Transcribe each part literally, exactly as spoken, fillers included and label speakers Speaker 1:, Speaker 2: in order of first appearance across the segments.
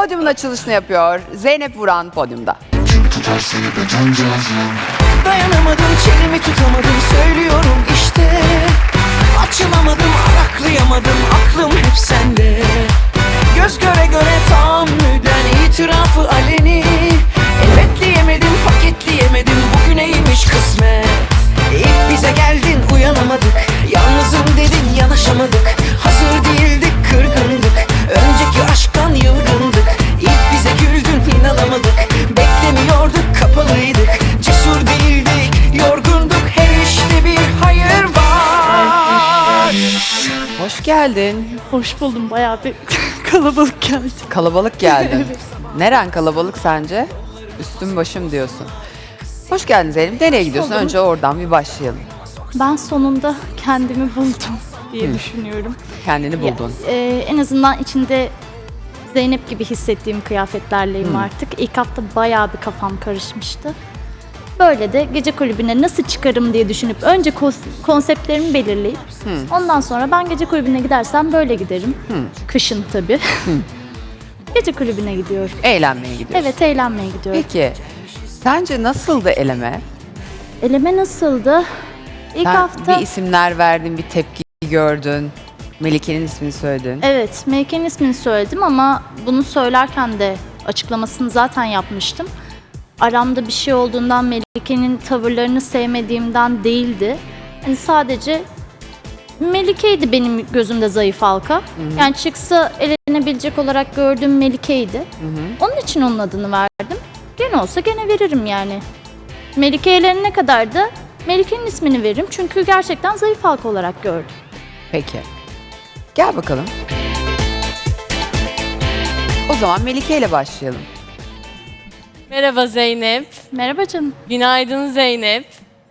Speaker 1: podyumun açılışını yapıyor. Zeynep Vuran podyumda.
Speaker 2: Dayanamadım, çenemi tutamadım, söylüyorum işte. Açılamadım, araklayamadım, aklım hep sende. Göz göre göre tahammüden itirafı aleni. Elbetleyemedim, paketleyemedim, bugüneymiş kısmet. İlk bize geldin, uyanamadık. Yalnızım dedin, yanaşamadık. Hazır değildik, kırgındık. Önceki aşktan yılgındık. İlk bize güldün, inanamadık. Beklemiyorduk, kapalıydık. Cesur değildik, yorgunduk. Her işte bir hayır var.
Speaker 1: Hoş geldin.
Speaker 3: Hoş buldum. Bayağı bir kalabalık geldi.
Speaker 1: Kalabalık geldin. Neren kalabalık sence? Üstüm başım diyorsun. Hoş geldin Zeynep. Nereye gidiyorsun?
Speaker 3: buldum.
Speaker 1: Önce oradan bir başlayalım.
Speaker 3: Ben sonunda kendimi buldum diye düşünüyorum.
Speaker 1: Kendini buldun.
Speaker 3: Ya, e, en azından içinde Zeynep gibi hissettiğim kıyafetlerleyim
Speaker 1: Hmm.
Speaker 3: artık. İlk hafta bayağı bir kafam karışmıştı. Böyle de gece kulübüne nasıl çıkarım diye düşünüp önce kos- konseptlerimi belirleyip ondan sonra ben gece kulübüne gidersem böyle giderim. Kışın tabii. Gece kulübüne gidiyorum.
Speaker 1: Eğlenmeye gidiyorsun.
Speaker 3: Evet, eğlenmeye gidiyorum.
Speaker 1: Peki, sence nasıldı eleme?
Speaker 3: Eleme nasıldı? İlk
Speaker 1: Sen
Speaker 3: hafta...
Speaker 1: bir isimler verdin, bir tepki gördün. Melike'nin ismini söyledin.
Speaker 3: Evet, Melike'nin ismini söyledim ama bunu söylerken de açıklamasını zaten yapmıştım. Aramda bir şey olduğundan, Melike'nin tavırlarını sevmediğimden değildi. Yani sadece Melike'ydi benim gözümde zayıf halka. Yani çıksa elenebilecek olarak gördüğüm Melike'ydi. Onun için onun adını verdim. Gene olsa gene veririm yani. Melike elenene kadar da Melike'nin ismini veririm. Çünkü gerçekten zayıf halka olarak gördüm.
Speaker 1: Peki. Gel bakalım. O zaman Melike ile başlayalım.
Speaker 4: Merhaba Zeynep.
Speaker 3: Merhaba canım.
Speaker 4: Günaydın Zeynep.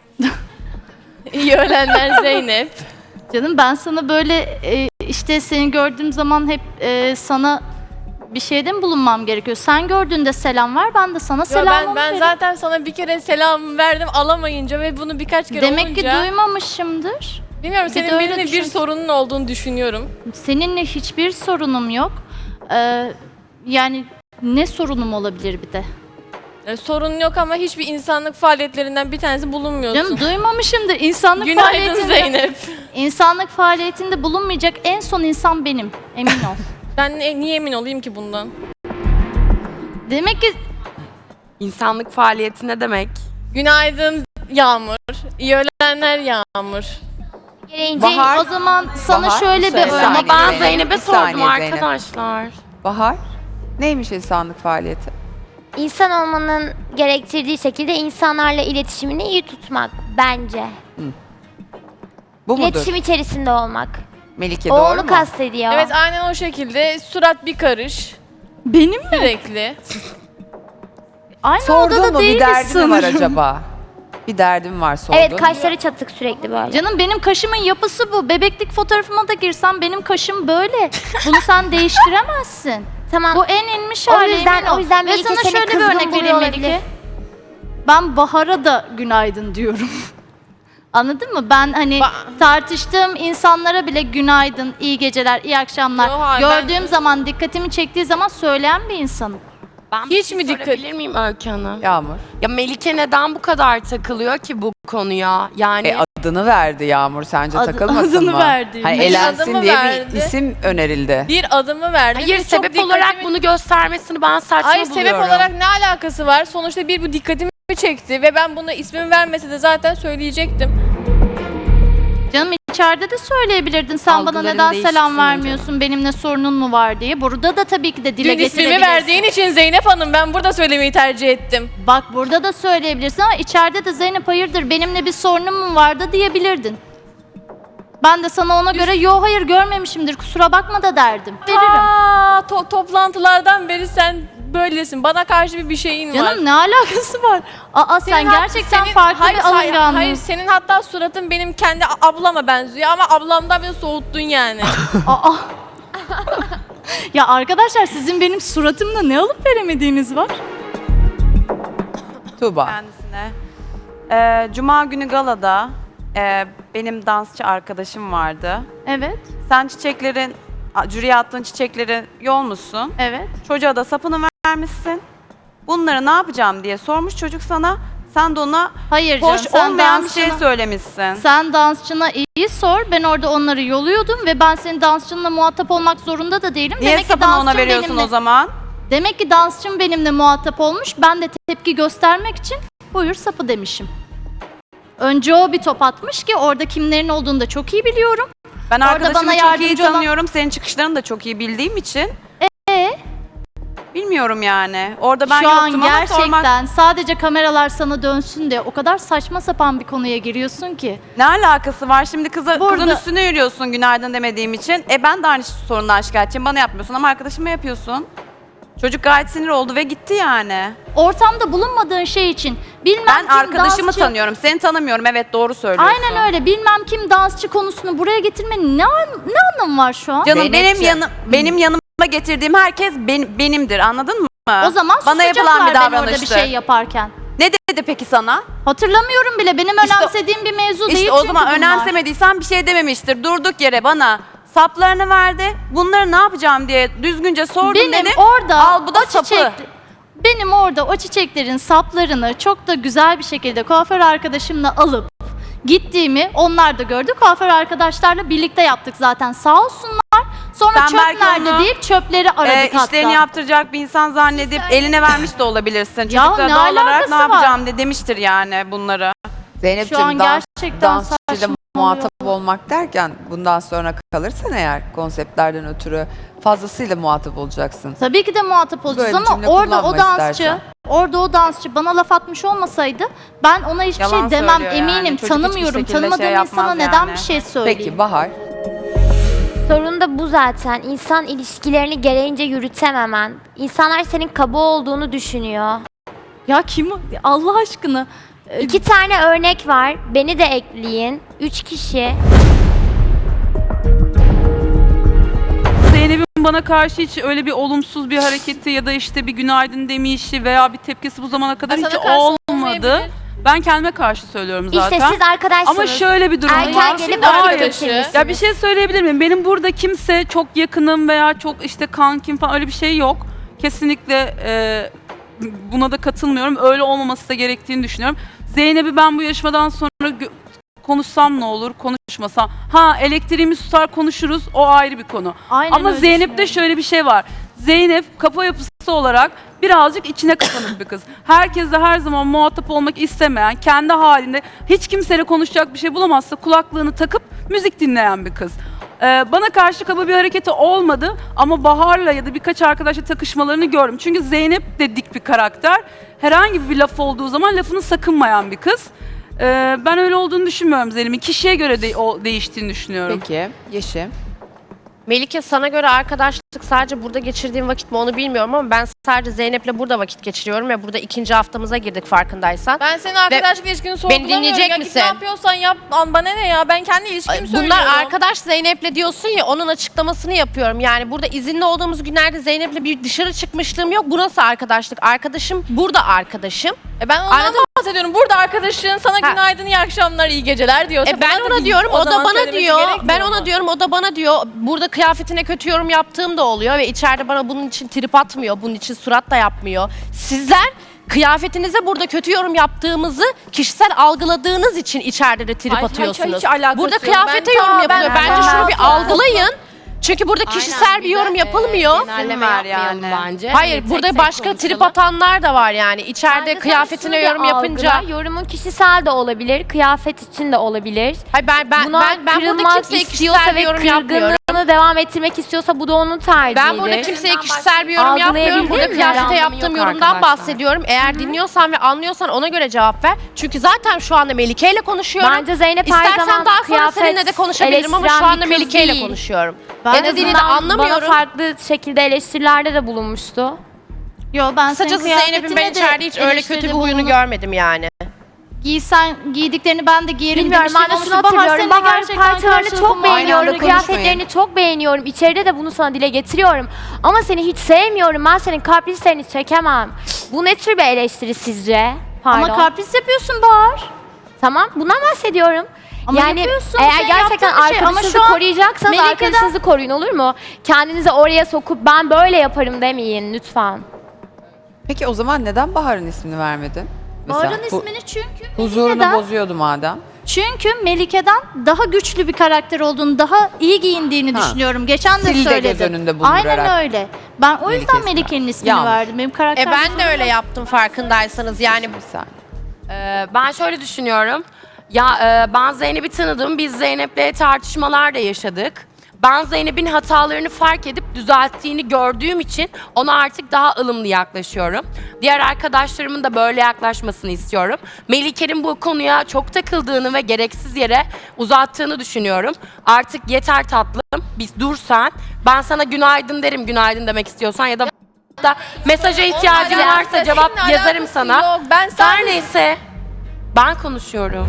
Speaker 4: İyi öğlenler Zeynep.
Speaker 3: Canım ben sana böyle e, işte seni gördüğüm zaman hep e, sana bir şeyde mi bulunmam gerekiyor? Sen gördüğünde selam ver, ben de sana
Speaker 4: Yo,
Speaker 3: selamımı
Speaker 4: ben ben
Speaker 3: veririm.
Speaker 4: zaten sana bir kere selam verdim alamayınca ve bunu birkaç kere
Speaker 3: Demek
Speaker 4: olunca.
Speaker 3: ki duymamışımdır.
Speaker 4: Bilmiyorum,
Speaker 3: Bir de
Speaker 4: senin
Speaker 3: öyle
Speaker 4: benimle bir
Speaker 3: düşün.
Speaker 4: sorunun olduğunu düşünüyorum.
Speaker 3: Seninle hiçbir sorunum yok. Ee, yani ne sorunum olabilir bir de?
Speaker 4: Yani sorun yok ama hiçbir insanlık faaliyetlerinden bir tanesi bulunmuyorsun.
Speaker 3: Canım duymamışımdır. İnsanlık
Speaker 4: Günaydın
Speaker 3: faaliyetinde,
Speaker 4: Zeynep.
Speaker 3: İnsanlık faaliyetinde bulunmayacak en son insan benim. Emin ol.
Speaker 4: Ben ne- niye emin olayım ki bundan?
Speaker 3: Demek ki
Speaker 5: İnsanlık faaliyeti ne demek?
Speaker 4: Günaydın Yağmur. İyi öğlenler Yağmur.
Speaker 1: Bahar.
Speaker 3: o zaman sana
Speaker 1: Bahar,
Speaker 3: şöyle bir
Speaker 1: söyle.
Speaker 3: örnek
Speaker 1: Ama
Speaker 5: Ben
Speaker 1: Zeynep,
Speaker 5: Zeynep'e
Speaker 1: bir saniye
Speaker 5: sordum
Speaker 1: Zeynep.
Speaker 5: arkadaşlar.
Speaker 1: Bahar, neymiş insanlık faaliyeti?
Speaker 6: İnsan olmanın gerektirdiği şekilde insanlarla iletişimini iyi tutmak bence.
Speaker 1: Bu mudur?
Speaker 6: İletişim içerisinde olmak.
Speaker 1: Melike
Speaker 6: O
Speaker 1: doğru
Speaker 6: onu
Speaker 1: mu?
Speaker 6: kastediyor.
Speaker 4: Evet, aynen o şekilde. Surat bir karış.
Speaker 3: benim mi?
Speaker 4: Sürekli.
Speaker 3: Aynı
Speaker 1: Sordun
Speaker 3: odada
Speaker 1: mu bir
Speaker 3: değiliz
Speaker 1: derdin mi var
Speaker 3: sanırım.
Speaker 1: acaba? Bir derdin var sordun.
Speaker 6: Evet, kaşları çatık sürekli böyle.
Speaker 3: Canım benim kaşımın yapısı bu. Bebeklik fotoğrafıma da girsem benim kaşım böyle. Bunu sen değiştiremezsin.
Speaker 6: Tamam.
Speaker 3: Bu en inmiş
Speaker 6: O
Speaker 3: hali.
Speaker 6: yüzden-
Speaker 3: emin ol.
Speaker 6: o yüzden
Speaker 3: Ve
Speaker 6: Melike
Speaker 3: sana
Speaker 6: seni
Speaker 3: şöyle bir
Speaker 6: kızgın
Speaker 3: örnek
Speaker 6: buluyor
Speaker 3: vereyim
Speaker 6: olabilir.
Speaker 3: Melike. Ben Bahar'a da günaydın diyorum. Anladın mı? Ben hani
Speaker 4: Ba-
Speaker 3: tartıştığım insanlara bile günaydın, iyi geceler, iyi akşamlar.
Speaker 4: Yo, hayır,
Speaker 3: Gördüğüm zaman, dikkatimi çektiği zaman söyleyen bir insanım.
Speaker 5: Ben
Speaker 4: Hiç
Speaker 5: bir
Speaker 4: mi
Speaker 5: şey
Speaker 4: dikkat-
Speaker 5: sorabilir miyim Öykü Hanım?
Speaker 1: Yağmur.
Speaker 5: Ya Melike neden bu kadar takılıyor ki bu konuya? Yani
Speaker 1: E, adını verdi Yağmur, sence
Speaker 3: Adı-
Speaker 1: takılmasın
Speaker 3: adını
Speaker 1: mı?
Speaker 3: verdi.
Speaker 1: Hani
Speaker 3: Benim
Speaker 1: elensin
Speaker 4: adımı
Speaker 1: diye
Speaker 4: verdi.
Speaker 1: bir isim önerildi.
Speaker 4: Bir adımı verdi.
Speaker 5: hayır,
Speaker 4: ve çok
Speaker 5: sebep olarak
Speaker 4: dikkatimi-
Speaker 5: bunu göstermesini ben saçma
Speaker 4: Hayır,
Speaker 5: buluyorum.
Speaker 4: sebep olarak ne alakası var? Sonuçta bir bu dikkatimi çekti ve ben buna ismimi vermese de zaten söyleyecektim.
Speaker 3: Canım içeride de söyleyebilirdin. Sen bana
Speaker 5: Algıların
Speaker 3: neden
Speaker 5: değişsin
Speaker 3: selam
Speaker 5: önce.
Speaker 3: vermiyorsun? Benimle sorunun mu var diye. Burada da tabii ki de dile
Speaker 4: Dün ismimi
Speaker 3: getirebilirsin.
Speaker 4: verdiğin için Zeynep Hanım, ben burada söylemeyi tercih ettim.
Speaker 3: Bak burada da söyleyebilirsin ama içeride de Zeynep hayırdır benimle bir sorunun mu vardı diyebilirdin. Ben de sana ona göre yo hayır görmemişimdir kusura bakma da derdim. Veririm.
Speaker 4: Aa, to- toplantılardan beri sen böylesin. Bana karşı bir bir şeyin var.
Speaker 3: Canım ne alakası var? Aa sen
Speaker 4: Senin hat-
Speaker 3: gerçekten
Speaker 4: senin-
Speaker 3: farklı
Speaker 4: hayır,
Speaker 3: bir
Speaker 4: hayır,
Speaker 3: alınganlığın.
Speaker 4: hayır, senin hatta suratın benim kendi a- ablama benziyor ama ablamdan beni soğuttun yani.
Speaker 3: Aa. Ya arkadaşlar sizin benim suratımla ne alıp veremediğiniz var?
Speaker 1: Tuğba.
Speaker 7: Kendisine. Ee, Cuma günü galada e, benim dansçı arkadaşım vardı.
Speaker 3: Evet.
Speaker 7: Sen çiçeklerin a- jüriye attığın çiçekleri yolmuşsun.
Speaker 3: Evet.
Speaker 7: Çocuğa da sapını vermişsin. Bunları ne yapacağım diye sormuş çocuk sana. Sen de ona
Speaker 3: Hayır
Speaker 7: hoş
Speaker 3: canım, sen
Speaker 7: olmayan bir şey
Speaker 3: dansçına-
Speaker 7: söylemişsin.
Speaker 3: Sen dansçına iyi sor. Ben orada onları yoluyordum ve ben senin dansçınla muhatap olmak zorunda da değilim.
Speaker 7: Niye
Speaker 3: Demek ki
Speaker 7: sapını ona
Speaker 3: dansçın
Speaker 7: veriyorsun
Speaker 3: benimle,
Speaker 7: o zaman?
Speaker 3: Demek ki dansçım benimle muhatap olmuş. Ben de tepki göstermek için buyur sapı demişim. Önce o bir top atmış ki orada kimlerin olduğunu da çok iyi biliyorum.
Speaker 7: Ben
Speaker 3: Orada
Speaker 7: arkadaşımı
Speaker 3: bana
Speaker 7: çok iyi
Speaker 3: yardımcı olan-
Speaker 7: tanıyorum. Senin çıkışlarını da çok iyi bildiğim için.
Speaker 3: Ee?
Speaker 7: Bilmiyorum yani. Orada ben
Speaker 3: Şu an
Speaker 7: yoktum ama
Speaker 3: gerçekten
Speaker 7: sormak...
Speaker 3: sadece kameralar sana dönsün diye o kadar saçma sapan bir konuya giriyorsun ki.
Speaker 7: Ne alakası var? Şimdi kıza,
Speaker 3: Burada-
Speaker 7: kızın üstüne yürüyorsun günaydın demediğim için. E ben de aynı sorundan şikayetçiyim. Bana yapmıyorsun ama arkadaşıma yapıyorsun. Çocuk gayet sinir oldu ve gitti yani.
Speaker 3: Ortamda bulunmadığın şey için bilmem
Speaker 7: Ben
Speaker 3: kim
Speaker 7: arkadaşımı
Speaker 3: dansçı...
Speaker 7: tanıyorum. Seni tanımıyorum. Evet doğru söylüyorsun.
Speaker 3: Aynen öyle. Bilmem kim dansçı konusunu buraya getirmenin ne, an- ne anlamı var şu an?
Speaker 7: Canım benim
Speaker 1: Zeynepciğim.
Speaker 7: yanım benim yanıma getirdiğim herkes ben- benimdir. Anladın mı?
Speaker 3: O zaman
Speaker 7: bana yapılan bir
Speaker 3: susacaklar ben orada bir
Speaker 7: davranıştı.
Speaker 3: şey yaparken.
Speaker 7: Ne dedi peki sana?
Speaker 3: Hatırlamıyorum bile. Benim
Speaker 7: İşte-
Speaker 3: önemsediğim bir mevzu değil
Speaker 7: İşte o
Speaker 3: çünkü
Speaker 7: zaman
Speaker 3: bunlar.
Speaker 7: önemsemediysen bir şey dememiştir. Durduk yere bana saplarını verdi. Bunları ne yapacağım diye düzgünce sordum
Speaker 3: Benim
Speaker 7: dedi.
Speaker 3: orada
Speaker 7: Al bu da
Speaker 3: o
Speaker 7: sapı.
Speaker 3: çiçek, benim orada o çiçeklerin saplarını çok da güzel bir şekilde kuaför arkadaşımla alıp gittiğimi onlar da gördü. Kuaför arkadaşlarla birlikte yaptık zaten sağ olsunlar. Sonra
Speaker 7: Sen
Speaker 3: çöp
Speaker 7: belki
Speaker 3: nerede
Speaker 7: onu,
Speaker 3: deyip çöpleri aradık
Speaker 7: Ee,
Speaker 3: hatta.
Speaker 7: işlerini yaptıracak bir insan zannedip eline vermiş de olabilirsin.
Speaker 3: Ya
Speaker 7: Çocuk da
Speaker 3: ne
Speaker 7: doğal olarak
Speaker 3: alakası
Speaker 7: ne
Speaker 3: var?
Speaker 7: yapacağım de demiştir yani bunları.
Speaker 1: Zeynep'ciğim
Speaker 3: Şu an
Speaker 1: dans,
Speaker 3: gerçekten
Speaker 1: dansçıyla
Speaker 3: saçmalıyor.
Speaker 1: muhatap olmak derken bundan sonra kalırsan eğer konseptlerden ötürü fazlasıyla muhatap olacaksın.
Speaker 3: Tabii ki de muhatap olacağız
Speaker 1: Böyle
Speaker 3: ama
Speaker 1: cümle
Speaker 3: orada o
Speaker 1: kullanma
Speaker 3: dansçı,
Speaker 1: istersen.
Speaker 3: orada o dansçı bana laf atmış olmasaydı ben ona hiçbir
Speaker 7: Yalan
Speaker 3: şey demem
Speaker 7: söylüyor yani.
Speaker 3: eminim.
Speaker 7: Çocuk hiçbir
Speaker 3: Tanımıyorum.
Speaker 7: şekilde
Speaker 3: Tanımadığım
Speaker 7: şey
Speaker 3: insana
Speaker 7: yapmaz
Speaker 3: neden
Speaker 7: yani.
Speaker 3: bir şey söyleyeyim?
Speaker 1: Peki Bahar.
Speaker 6: Sorun da bu zaten. İnsan ilişkilerini gereğince yürütememen. İnsanlar senin kaba olduğunu düşünüyor.
Speaker 3: Ya kim o? Allah aşkına. Ee,
Speaker 6: İki tane örnek var. Beni de ekleyin. Üç kişi.
Speaker 8: Zeynep'in bana karşı hiç öyle bir olumsuz bir hareketi ya da işte bir günaydın demişi veya bir tepkisi bu zamana kadar
Speaker 4: Ha,
Speaker 8: hiç
Speaker 4: sana karşı
Speaker 8: olmadı.
Speaker 4: olmayabilir.
Speaker 8: Ben kendime karşı söylüyorum zaten.
Speaker 6: İşte siz arkadaşsınız.
Speaker 8: Ama şöyle bir durum
Speaker 6: Erken
Speaker 8: var.
Speaker 6: gelip
Speaker 8: Hayır.
Speaker 6: vakit geçirmişsiniz.
Speaker 8: Ya bir şey söyleyebilir miyim? Benim burada kimse çok yakınım veya çok işte kankim falan öyle bir şey yok. Kesinlikle e, buna da katılmıyorum. Öyle olmaması da gerektiğini düşünüyorum. Zeynep'i ben bu yarışmadan sonra gö- konuşsam ne olur, konuşmasam. Ha elektriğimiz tutar konuşuruz, o ayrı bir konu.
Speaker 3: Aynen
Speaker 8: Ama
Speaker 3: öyle
Speaker 8: Zeynep'te
Speaker 3: düşünüyorum.
Speaker 8: şöyle bir şey var. Zeynep kafa yapısı olarak birazcık içine kapanık bir kız. Herkesle her zaman muhatap olmak istemeyen, kendi halinde hiç kimseyle konuşacak bir şey bulamazsa kulaklığını takıp müzik dinleyen bir kız. Ee, bana karşı kaba bir hareketi olmadı ama Bahar'la ya da birkaç arkadaşla takışmalarını gördüm. Çünkü Zeynep de dik bir karakter. Herhangi bir laf olduğu zaman lafını sakınmayan bir kız. Ee, ben öyle olduğunu düşünmüyorum Zeynep'in. Kişiye göre de, o değiştiğini düşünüyorum.
Speaker 1: Peki Yeşim.
Speaker 5: Melike sana göre arkadaşlık sadece burada geçirdiğim vakit mi onu bilmiyorum ama ben sadece Zeynep'le burada vakit geçiriyorum ve burada ikinci haftamıza girdik farkındaysan.
Speaker 4: Ben senin arkadaşlık ilişkini sorgulamıyorum.
Speaker 5: dinleyecek
Speaker 4: ya. Git
Speaker 5: misin?
Speaker 4: Ne yapıyorsan yap. An- Bana ne ya? Ben kendi ilişkimi söylüyorum.
Speaker 5: Bunlar arkadaş Zeynep'le diyorsun ya onun açıklamasını yapıyorum. Yani burada izinli olduğumuz günlerde Zeynep'le bir dışarı çıkmışlığım yok. Bu nasıl arkadaşlık? Arkadaşım burada arkadaşım.
Speaker 4: E ben ondan
Speaker 5: Anladın
Speaker 4: bahsediyorum. Burada arkadaşın sana
Speaker 5: Ha.
Speaker 4: günaydın, iyi akşamlar, iyi geceler diyorsa.
Speaker 5: E ben
Speaker 4: bana da
Speaker 5: ona
Speaker 4: bir-
Speaker 5: diyorum, o, da
Speaker 4: zaman
Speaker 5: bana
Speaker 4: söylemesi
Speaker 5: diyor.
Speaker 4: gerekmiyor
Speaker 5: Ben
Speaker 4: mu?
Speaker 5: ona diyorum, o da bana diyor. Burada kıyafetine kötü yorum yaptığım da oluyor ve içeride bana bunun için trip atmıyor, bunun için surat da yapmıyor. Sizler kıyafetinize burada kötü yorum yaptığımızı kişisel algıladığınız için içeride de trip
Speaker 4: Ay, hiç-
Speaker 5: atıyorsunuz.
Speaker 4: hiç alakası
Speaker 5: burada
Speaker 4: yok.
Speaker 5: kıyafete
Speaker 4: Ben-
Speaker 5: yorum
Speaker 4: Aa,
Speaker 5: yapılıyor.
Speaker 4: ben-
Speaker 5: Bence
Speaker 4: ben-
Speaker 5: şunu bir
Speaker 4: ben-
Speaker 5: algılayın. Çünkü burada kişisel bir yorum yapılmıyor.
Speaker 7: genelleme yapmayalım
Speaker 5: bence. Hayır, burada başka trip atanlar da var yani. İçeride
Speaker 6: Bence sen
Speaker 5: kıyafetine
Speaker 6: şunu
Speaker 5: yorum
Speaker 6: bir
Speaker 5: yapınca.
Speaker 6: algıla. Yorumun kişisel de olabilir, kıyafet için de olabilir.
Speaker 5: Hayır ben ben
Speaker 6: Buna
Speaker 5: ben, ben burada
Speaker 6: kırılmak
Speaker 5: kimseye
Speaker 6: istiyorsa
Speaker 5: kişisel bir
Speaker 6: ve
Speaker 5: yorum yapmıyorum.
Speaker 6: kırgınlığını devam ettirmek istiyorsa bu da onun tercihidir.
Speaker 5: Ben burada kimseye kişisel bir yorum yapmıyorum.
Speaker 6: Algılayabildin
Speaker 5: Burada
Speaker 6: mi?
Speaker 5: kıyafete
Speaker 6: Anlamı
Speaker 5: yaptığım
Speaker 6: yok
Speaker 5: yorumdan
Speaker 6: arkadaşlar.
Speaker 5: bahsediyorum. Eğer dinliyorsan ve anlıyorsan ona göre cevap ver. Çünkü zaten şu anda Melike ile konuşuyorum.
Speaker 6: Bence Zeynep her
Speaker 5: İstersen
Speaker 6: zaman
Speaker 5: daha sonra
Speaker 6: kıyafet
Speaker 5: seninle de konuşabilirim ama şu
Speaker 6: eleştiren
Speaker 5: anda
Speaker 6: bir kız
Speaker 5: Melike ile
Speaker 6: değil.
Speaker 5: konuşuyorum.
Speaker 3: Ben
Speaker 5: ya da
Speaker 3: en
Speaker 5: dili de
Speaker 6: Bana
Speaker 5: anlamıyorum.
Speaker 6: farklı şekilde eleştirilerde de bulunmuştu.
Speaker 3: Yo ben senin
Speaker 5: Kısacası Zeynep'in
Speaker 3: kıyafetine
Speaker 5: ben
Speaker 3: de
Speaker 5: içeride hiç öyle kötü
Speaker 3: eleştiride
Speaker 5: bir huyunu
Speaker 3: bulunup
Speaker 5: görmedim yani.
Speaker 3: Giysen giydiklerini ben de giyerim
Speaker 6: Bilmiyorum
Speaker 3: demiştim.
Speaker 6: ben de
Speaker 3: Onu
Speaker 6: şunu
Speaker 3: Bahar
Speaker 6: hatırlıyorum.
Speaker 3: seninle
Speaker 6: Bahar
Speaker 3: gerçekten
Speaker 6: parçalarını
Speaker 3: karşılıklı
Speaker 6: çok
Speaker 3: mı?
Speaker 1: Aynı
Speaker 6: beğeniyorum.
Speaker 1: anda konuşmayın.
Speaker 6: Kıyafetlerini çok beğeniyorum. İçeride de bunu sana dile getiriyorum. Ama seni hiç sevmiyorum. Ben senin kaprislerini çekemem. Bu ne tür bir eleştiri sizce? Pardon.
Speaker 3: Ama kapris yapıyorsun Bahar.
Speaker 6: Tamam bundan bahsediyorum.
Speaker 3: Ama
Speaker 6: yani
Speaker 3: yapıyorsun,
Speaker 6: eğer
Speaker 3: senin
Speaker 6: gerçekten
Speaker 3: yaptığın bir şey. Ama
Speaker 6: arkadaşınızı
Speaker 3: şu an
Speaker 6: koruyacaksanız
Speaker 3: Melike'den-
Speaker 6: arkadaşınızı koruyun, olur mu? Kendinizi oraya sokup ben böyle yaparım demeyin lütfen.
Speaker 1: Peki o zaman neden Bahar'ın ismini vermedin? Mesela
Speaker 3: Bahar'ın
Speaker 1: hu-
Speaker 3: ismini çünkü
Speaker 1: huzurunu
Speaker 3: Melike'den,
Speaker 1: bozuyordu madem.
Speaker 3: çünkü Melike'den daha güçlü bir karakter olduğunu, daha iyi giyindiğini
Speaker 1: Ha.
Speaker 3: düşünüyorum. Geçen de
Speaker 1: Sil de
Speaker 3: söyledim.
Speaker 1: göz önünde bulundurarak.
Speaker 3: Aynen öyle. Ben o
Speaker 1: Melike
Speaker 3: yüzden
Speaker 1: ismi
Speaker 3: Melike'nin
Speaker 1: verdim.
Speaker 3: ismini
Speaker 1: Yanlış.
Speaker 3: verdim. Benim karakter
Speaker 5: E ben de öyle yaptım farkındaysanız. Yani
Speaker 1: Bir saniye.
Speaker 9: Ee, ben şöyle düşünüyorum. Ya e, ben Zeynep'i tanıdım. Biz Zeynep'le tartışmalar da yaşadık. Ben Zeynep'in hatalarını fark edip düzelttiğini gördüğüm için ona artık daha ılımlı yaklaşıyorum. Diğer arkadaşlarımın da böyle yaklaşmasını istiyorum. Melike'nin bu konuya çok takıldığını ve gereksiz yere uzattığını düşünüyorum. Artık yeter tatlım. Bir dur sen. Ben sana günaydın derim, günaydın demek istiyorsan ya da da mesaja ihtiyacın
Speaker 4: Onunla
Speaker 9: varsa
Speaker 4: alakası-
Speaker 9: cevap
Speaker 4: seninle
Speaker 9: yazarım
Speaker 4: alakası
Speaker 9: sana.
Speaker 4: yok. Ben
Speaker 9: Her
Speaker 4: sadece-
Speaker 9: neyse. Ben konuşuyorum.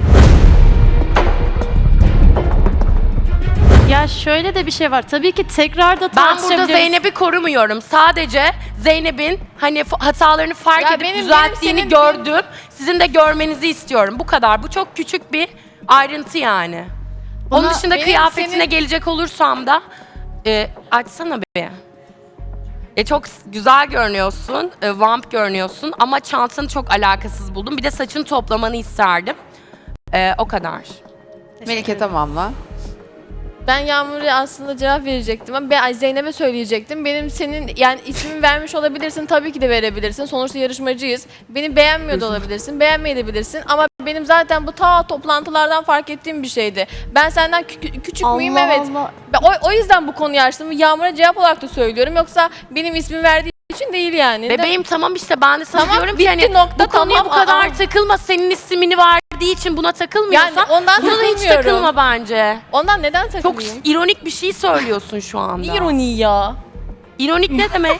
Speaker 3: Ya şöyle de bir şey var. Tabii ki tekrar da
Speaker 9: Ben
Speaker 3: tartışabiliriz.
Speaker 9: burada Zeynep'i korumuyorum. Sadece Zeynep'in hani f- hatalarını fark
Speaker 4: Ya
Speaker 9: edip
Speaker 4: benim-
Speaker 9: düzelttiğini
Speaker 4: benim senin-
Speaker 9: gördüm. Sizin de görmenizi istiyorum. Bu kadar. Bu çok küçük bir ayrıntı yani. Onun
Speaker 3: Buna-
Speaker 9: dışında
Speaker 4: benim
Speaker 9: kıyafetine
Speaker 4: senin-
Speaker 9: gelecek olursam da e, açsana bir. E, çok s- güzel görünüyorsun, e, vamp görünüyorsun ama çantanı çok alakasız buldum. Bir de saçını toplamanı isterdim. E, o kadar.
Speaker 1: Melike tamamla.
Speaker 4: Ben Yağmur'a aslında cevap verecektim ama ben Zeynep'e söyleyecektim. Benim senin yani ismimi vermiş olabilirsin, tabii ki de verebilirsin. Sonuçta yarışmacıyız. Beni beğenmiyor da olabilirsin, beğenmeyebilirsin. Ama benim zaten bu ta toplantılardan fark ettiğim bir şeydi. Ben senden kü- küçük müyüm?
Speaker 3: Allah
Speaker 4: Evet.
Speaker 3: Allah.
Speaker 4: Ben o, o yüzden bu konuyu açtım. Yağmur'a cevap olarak da söylüyorum. Yoksa benim ismimi verdiği için değil yani.
Speaker 9: Bebeğim tamam işte ben de sana
Speaker 4: Tamam,
Speaker 9: diyorum ki
Speaker 4: bitti
Speaker 9: hani
Speaker 4: nokta,
Speaker 9: bu konuya
Speaker 4: tamam,
Speaker 9: bu kadar
Speaker 4: aa.
Speaker 9: takılma. Senin ismini verdiği için buna takılmıyorsan
Speaker 4: Yani ondan
Speaker 9: buna da hiç
Speaker 4: takılmıyorum.
Speaker 9: takılma bence.
Speaker 4: Ondan neden
Speaker 9: Çok
Speaker 4: takılayım?
Speaker 9: ironik bir şey söylüyorsun şu anda.
Speaker 4: İroni ya.
Speaker 9: İronik ne demek?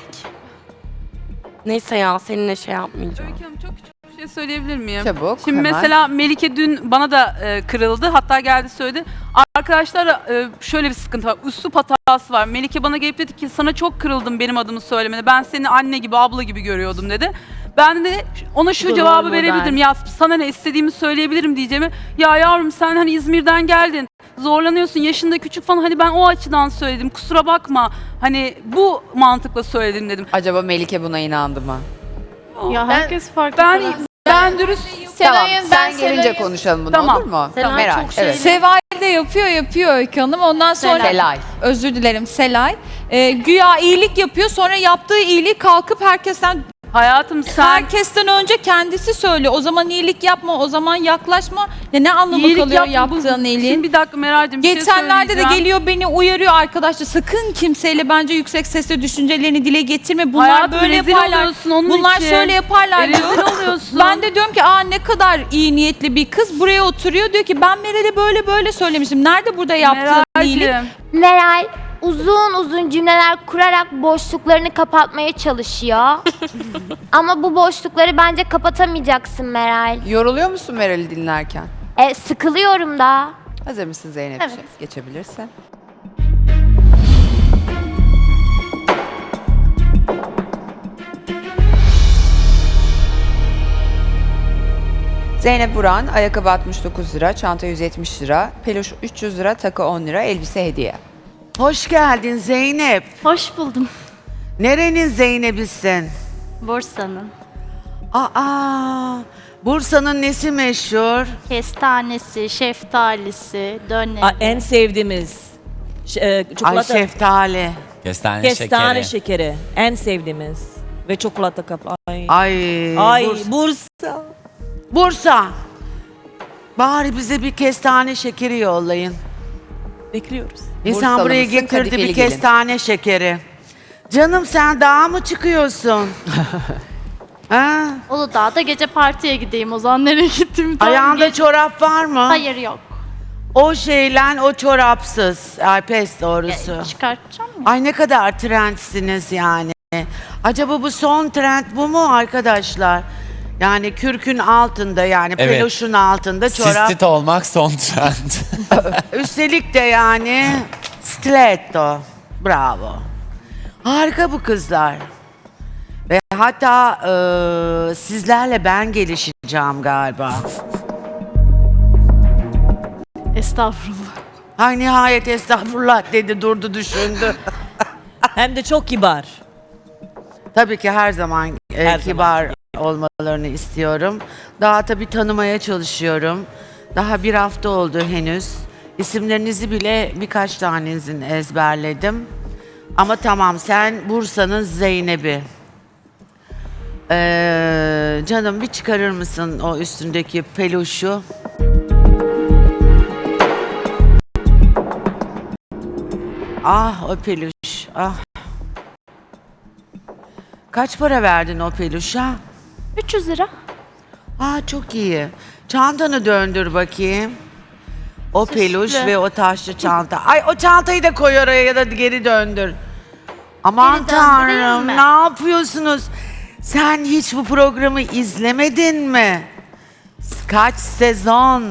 Speaker 9: Neyse ya seninle şey yapmayacağım.
Speaker 8: Öykü Hanım, çok küçük bir şey söyleyebilir miyim?
Speaker 1: Çabuk,
Speaker 8: Şimdi
Speaker 1: hemen.
Speaker 8: mesela Melike dün bana da e, kırıldı. Hatta geldi söyledi. Arkadaşlar e, şöyle bir sıkıntı var. Üslup hatası var. Melike bana gelip dedi ki sana çok kırıldım benim adımı söylemene. Ben seni anne gibi, abla gibi görüyordum dedi. Ben de ona şu
Speaker 9: Bu da
Speaker 8: cevabı
Speaker 9: rol
Speaker 8: verebilirim.
Speaker 9: model.
Speaker 8: Ya sana ne istediğimi söyleyebilirim diyeceğimi. Ya yavrum sen hani İzmir'den geldin. Zorlanıyorsun, yaşında küçük falan. Hani ben o açıdan söyledim. Kusura bakma. Hani bu mantıkla söyledim dedim.
Speaker 1: Acaba Melike buna inandı mı?
Speaker 3: Ya
Speaker 4: Ben-
Speaker 3: herkes farklı.
Speaker 8: Ben
Speaker 3: karakter.
Speaker 8: ben dürüst
Speaker 1: Tamam
Speaker 4: Selay'ın
Speaker 1: sen
Speaker 4: ben
Speaker 1: gelince
Speaker 4: Selay'ın-
Speaker 1: konuşalım bunu
Speaker 8: Tamam.
Speaker 1: olur mu?
Speaker 9: Selay
Speaker 1: Meral.
Speaker 9: çok şey-
Speaker 1: Evet.
Speaker 10: Seval de yapıyor yapıyor Öykü Hanım. Ondan sonra
Speaker 1: Selay.
Speaker 10: özür dilerim Selay. Ee, güya iyilik yapıyor. Sonra yaptığı iyiliği kalkıp herkesten
Speaker 8: hayatım sen
Speaker 10: herkesten önce kendisi söylüyor. O zaman iyilik yapma, o zaman yaklaşma. Ya ne anlamı
Speaker 8: iyilik
Speaker 10: kalıyor
Speaker 8: yapma. Bu-
Speaker 10: yaptığın iyiliğin?
Speaker 8: Şimdi bir dakika Meral'cim bir şey
Speaker 10: Geçenlerde de
Speaker 8: söyleyeceğim.
Speaker 10: geliyor beni uyarıyor arkadaşlar. Sakın kimseyle bence yüksek sesle düşüncelerini dile getirme. Bunlar
Speaker 8: Hayatım,
Speaker 10: böyle
Speaker 8: rezil
Speaker 10: yaparlar.
Speaker 8: oluyorsun onun
Speaker 10: Bunlar
Speaker 8: için.
Speaker 10: şöyle yaparlar
Speaker 8: E,
Speaker 10: diyor.
Speaker 8: rezil oluyorsun.
Speaker 10: Ben de diyorum ki aa ne kadar iyi niyetli bir kız buraya oturuyor. Diyor ki ben Meral'e böyle böyle söylemişim. Nerede burada yaptığın iyilik?
Speaker 8: Meral'cim,
Speaker 6: Meral uzun uzun cümleler kurarak boşluklarını kapatmaya çalışıyor. Ama bu boşlukları bence kapatamayacaksın Meral.
Speaker 1: Yoruluyor musun Meral'i dinlerken?
Speaker 6: E, sıkılıyorum da.
Speaker 1: Hazır mısın Zeynep'ciğim?
Speaker 3: Evet.
Speaker 1: Geçebilirsin. Zeynep Buran, ayakkabı altmış dokuz lira, çanta yüz yetmiş lira, peluş üç yüz lira, takı on lira, elbise hediye.
Speaker 11: Hoş geldin Zeynep.
Speaker 3: Hoş buldum.
Speaker 11: Nerenin Zeynep'isin?
Speaker 3: Bursa'nın.
Speaker 11: Aa, Bursa'nın nesi meşhur?
Speaker 3: Kestanesi, şeftalisi, döneri.
Speaker 12: Aa, en sevdiğimiz ş- e,
Speaker 11: Ay
Speaker 12: çikolata
Speaker 11: şeftali.
Speaker 13: Kestane,
Speaker 12: kestane
Speaker 13: şekeri.
Speaker 12: şekeri. En sevdiğimiz ve çikolata kapı. Ay.
Speaker 11: Ay,
Speaker 12: Ay
Speaker 11: Bursa.
Speaker 12: Bursa.
Speaker 11: Bursa. Bari bize bir kestane şekeri yollayın.
Speaker 12: Bekliyoruz.
Speaker 11: İnsan
Speaker 1: Bursalı
Speaker 11: buraya
Speaker 1: mısın,
Speaker 11: getirdi
Speaker 1: kadifeli
Speaker 11: bir
Speaker 1: gelin.
Speaker 11: kestane şekeri. Canım sen dağa mı çıkıyorsun? ha?
Speaker 3: Uludağ'da gece partiye gideyim o zaman nereye gittim?
Speaker 11: Ayağında çorap var mı?
Speaker 3: Hayır yok.
Speaker 11: O şeyle o çorapsız. Ay pes doğrusu.
Speaker 3: E, çıkartacağım mı?
Speaker 11: Ay ne kadar trendsiniz yani. Acaba bu son trend bu mu arkadaşlar? Yani kürkün altında yani
Speaker 13: Evet.
Speaker 11: peloşun altında çorap.
Speaker 13: Sistit olmak son trend.
Speaker 11: Üstelik de yani stiletto. Bravo. Harika bu kızlar. Ve hatta eee, sizlerle ben gelişeceğim galiba.
Speaker 3: Estağfurullah.
Speaker 11: Ha nihayet estağfurullah dedi, durdu düşündü.
Speaker 12: Hem de çok kibar.
Speaker 11: Tabii ki her zaman e,
Speaker 12: Her
Speaker 11: kibar olmalarını istiyorum. Daha tabii tanımaya çalışıyorum. Daha bir hafta oldu henüz. İsimlerinizi bile birkaç tanesini ezberledim. Ama tamam, sen Bursa'nın Zeynep'i. Ee, canım bir çıkarır mısın o üstündeki peluşu? Ah o peluş, ah. Kaç para verdin o peluşa?
Speaker 3: üç yüz lira.
Speaker 11: Aa çok iyi. Çantanı döndür bakayım. O peluş ve o taşlı çanta. Ay o çantayı da koy oraya ya da geri döndür. Aman
Speaker 3: Geri döndüreyim
Speaker 11: tanrım,
Speaker 3: mi?
Speaker 11: ne yapıyorsunuz? Sen hiç bu programı izlemedin mi? Kaç sezon?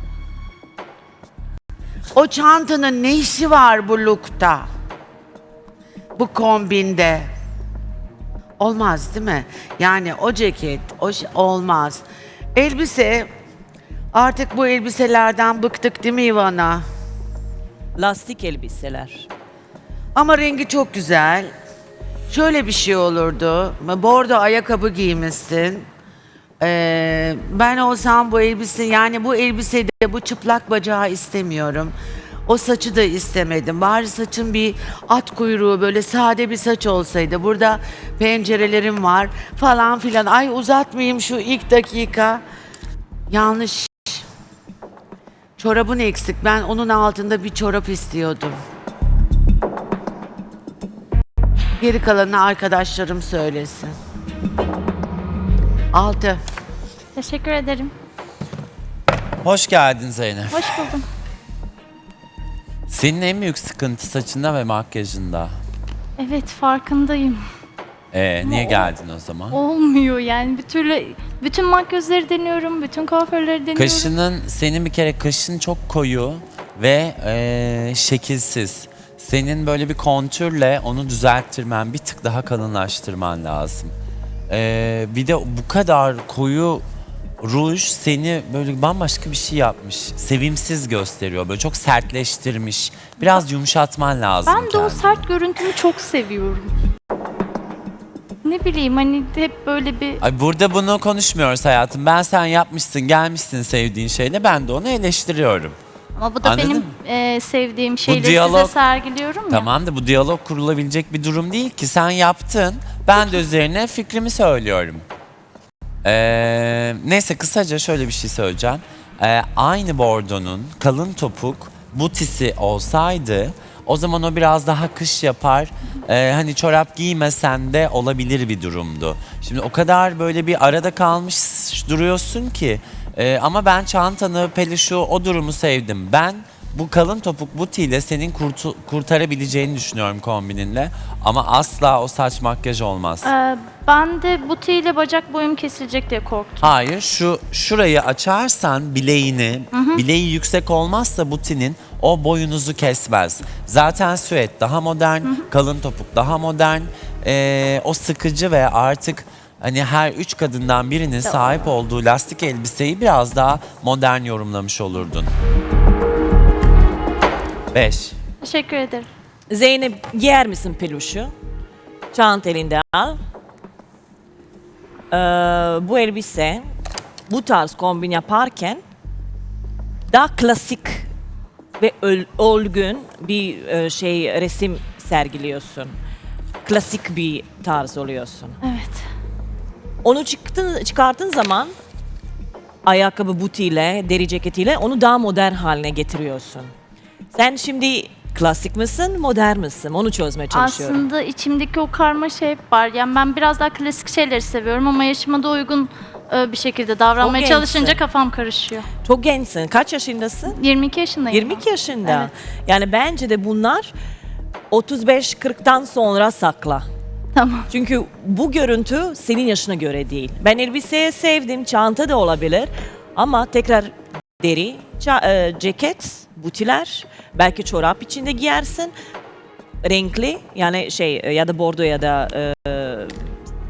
Speaker 11: O çantanın ne işi var bu look'ta? Bu kombinde? Olmaz değil mi? Yani o ceket, o şey- olmaz. Elbise, artık bu elbiselerden bıktık değil mi Ivana?
Speaker 12: Lastik elbiseler.
Speaker 11: Ama rengi çok güzel. Şöyle bir şey olurdu. Bordo ayakkabı giymişsin. Ee, ben olsam bu elbise, yani bu elbisede bu çıplak bacağı istemiyorum. O saçı da istemedim. Bari saçın bir at kuyruğu, böyle sade bir saç olsaydı. Burada pencerelerim var falan filan. Ay uzatmayayım şu ilk dakika. Yanlış. Çorabın eksik. Ben onun altında bir çorap istiyordum. Geri kalanını arkadaşlarım söylesin. Altı.
Speaker 3: Teşekkür ederim.
Speaker 13: Hoş geldin Zeynep.
Speaker 3: Hoş buldum.
Speaker 13: Senin en büyük sıkıntı saçında ve makyajında.
Speaker 3: Evet, farkındayım.
Speaker 13: Ee, niye geldin o zaman?
Speaker 3: Olmuyor yani. Bir türlü bütün makyözleri deniyorum, bütün kuaförleri deniyorum.
Speaker 13: Kaşının, senin bir kere kaşın çok koyu ve ee, şekilsiz. Senin böyle bir kontürle onu düzelttirmen, bir tık daha kalınlaştırman lazım. Ee, bir de bu kadar koyu ruj seni böyle bambaşka bir şey yapmış. Sevimsiz gösteriyor. Böyle çok sertleştirmiş. Biraz yumuşatman lazım
Speaker 3: Ben de o
Speaker 13: kendini.
Speaker 3: sert görüntümü çok seviyorum. Ne bileyim hani hep böyle bir...
Speaker 13: Ay burada bunu konuşmuyoruz hayatım. Ben sen yapmışsın, gelmişsin sevdiğin şeyle. Ben de onu eleştiriyorum.
Speaker 3: Ama bu da
Speaker 13: Anladın
Speaker 3: benim
Speaker 13: mı?
Speaker 3: e, sevdiğim şeyleri
Speaker 13: diyalog-
Speaker 3: size sergiliyorum ya.
Speaker 13: Tamam da bu diyalog kurulabilecek bir durum değil ki. Sen yaptın. Ben de üzerine fikrimi söylüyorum. Ee, neyse kısaca şöyle bir şey söyleyeceğim. Ee, aynı bordonun kalın topuk butisi olsaydı o zaman o biraz daha kış yapar. Ee, hani çorap giymesen de olabilir bir durumdu. Şimdi o kadar böyle bir arada kalmış duruyorsun ki. Ee, ama ben çantanı, peluşu, o durumu sevdim. Ben bu kalın topuk butiyle senin kurtu- kurtarabileceğini düşünüyorum kombininle. Ama asla o saç makyaj olmaz.
Speaker 3: Ee, ben de butiğiyle bacak boyum kesilecek diye korktum.
Speaker 13: Hayır, şu şurayı açarsan bileğini, bileği yüksek olmazsa butinin o boyunuzu kesmez. Zaten süet daha modern, kalın topuk daha modern. Ee, o sıkıcı ve artık hani her üç kadından birinin sahip olduğu lastik elbiseyi biraz daha modern yorumlamış olurdun. Beş.
Speaker 3: Teşekkür ederim.
Speaker 12: Zeynep giyer misin peluşu? Çant elinde al. Ee, bu elbise bu tarz kombin yaparken daha klasik ve öl- olgun bir e, şey resim sergiliyorsun. Klasik bir tarz oluyorsun.
Speaker 3: Evet.
Speaker 12: Onu çıktın, çıkarttığın zaman ayakkabı butiyle, deri ceketiyle onu daha modern haline getiriyorsun. Sen şimdi klasik misin, modern misin? Onu çözmeye çalışıyorum.
Speaker 3: Aslında içimdeki o karmaşa hep var. Yani ben biraz daha klasik şeyleri seviyorum ama yaşıma da uygun e, bir şekilde davranmaya
Speaker 12: Çok
Speaker 3: çalışınca
Speaker 12: gençsin.
Speaker 3: kafam karışıyor.
Speaker 12: Çok gençsin. Kaç yaşındasın?
Speaker 3: yirmi iki yaşındayım.
Speaker 12: yirmi iki yaşında.
Speaker 3: Evet.
Speaker 12: Yani bence de bunlar otuz beş kırktan sonra sakla.
Speaker 3: Tamam.
Speaker 12: Çünkü bu görüntü senin yaşına göre değil. Ben elbiseyi sevdim, çanta da olabilir ama tekrar deri, ça- e, ceket, butiler, belki çorap içinde giyersin. Renkli yani şey ya da bordo ya da e,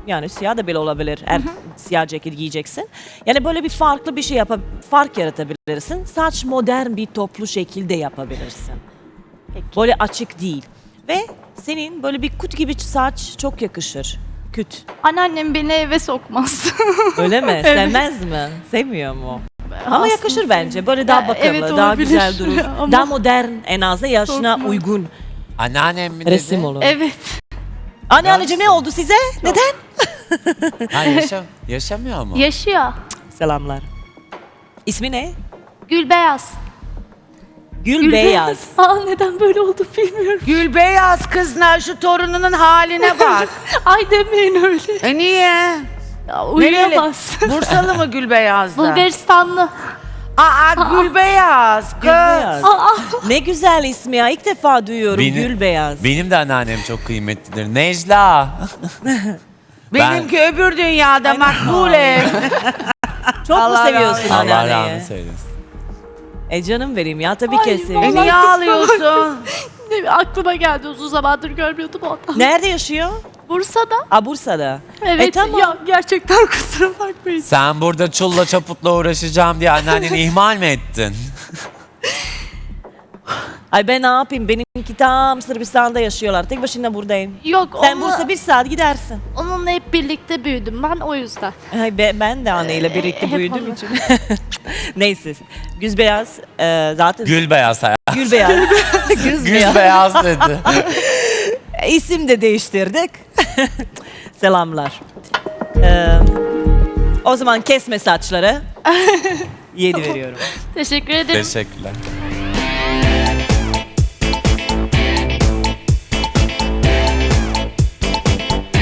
Speaker 12: Yani siyah da bile olabilir. Eğer siyah ceket giyeceksin. Yani böyle bir farklı bir şey yapıp fark yaratabilirsin. Saç modern bir toplu şekilde yapabilirsin. Böyle açık değil. Ve senin böyle bir kut gibi saç çok yakışır. Küt.
Speaker 3: Anneannem beni eve sokmaz.
Speaker 12: Öyle mi? Sevmez mi? Sevmiyor mu? Ama
Speaker 3: Aslında
Speaker 12: yakışır bence. Böyle daha
Speaker 3: Ya,
Speaker 12: bakımlı,
Speaker 3: evet,
Speaker 12: daha
Speaker 3: olabilir.
Speaker 12: güzel durur.
Speaker 3: Ama
Speaker 12: Daha modern en azından yaşına
Speaker 3: Korkma.
Speaker 12: uygun
Speaker 13: Anneannem mi dedi?
Speaker 12: resim olur.
Speaker 3: Evet.
Speaker 12: Anneanneciğim ne oldu size? Neden?
Speaker 13: Ha, yaşa, yaşamıyor mu?
Speaker 3: Yaşıyor.
Speaker 12: Selamlar. İsmi ne?
Speaker 3: Gülbeyaz.
Speaker 12: Gül, Beyaz.
Speaker 3: Aa, neden böyle oldu bilmiyorum.
Speaker 11: Gül beyaz kızlar, şu torununun haline bak.
Speaker 3: Ay demeyin öyle.
Speaker 11: E niye?
Speaker 3: Ya, uyuyamaz.
Speaker 11: Bursalı mı Gül beyazda?
Speaker 3: Bulgaristanlı.
Speaker 11: Aa, Gül beyaz kız.
Speaker 12: Gül Beyaz. Ne güzel ismi ya. İlk defa duyuyorum
Speaker 13: Benim-
Speaker 12: Gül Beyaz.
Speaker 13: Benim de anneannem çok kıymetlidir. Necla.
Speaker 11: Benimki öbür dünyada makbule.
Speaker 12: Çok mu
Speaker 11: Allah
Speaker 12: seviyorsun
Speaker 11: rahmet-
Speaker 13: Allah
Speaker 12: anneanneyi?
Speaker 13: rahmet eylesin.
Speaker 12: E canım benim ya tabii ki
Speaker 11: E
Speaker 12: seviyorum.
Speaker 11: niye ağlıyorsun?
Speaker 3: Aklıma geldi, uzun zamandır görmüyordum ondan.
Speaker 12: Nerede yaşıyor?
Speaker 3: Bursa'da.
Speaker 12: A Bursa'da.
Speaker 3: Evet.
Speaker 12: E tamam.
Speaker 3: Ya gerçekten kusura bakmayın.
Speaker 13: Sen burada çulla çaputla uğraşacağım diye anneanneni ihmal mi ettin?
Speaker 12: Ay ben ne yapayım? Benimki tam Sırbistan'da yaşıyorlar. Tek başına buradayım.
Speaker 3: Yok,
Speaker 12: Sen
Speaker 3: onunla,
Speaker 12: Bursa bir saat gidersin.
Speaker 3: onunla hep birlikte büyüdüm ben, o yüzden.
Speaker 12: Ay be- ben de anneyle birlikte
Speaker 3: hep
Speaker 12: büyüdüğüm
Speaker 3: onu.
Speaker 12: için. Neyse. Güz Beyaz e, zaten
Speaker 13: Gül beyaz hayat.
Speaker 12: Gül Beyaz. Güz
Speaker 13: Gül
Speaker 12: Beyaz.
Speaker 13: beyaz dedi.
Speaker 12: İsim de değiştirdik. Selamlar. Ee, o zaman kesme saçları. Yedi veriyorum.
Speaker 3: Teşekkür ederim.
Speaker 13: Teşekkürler.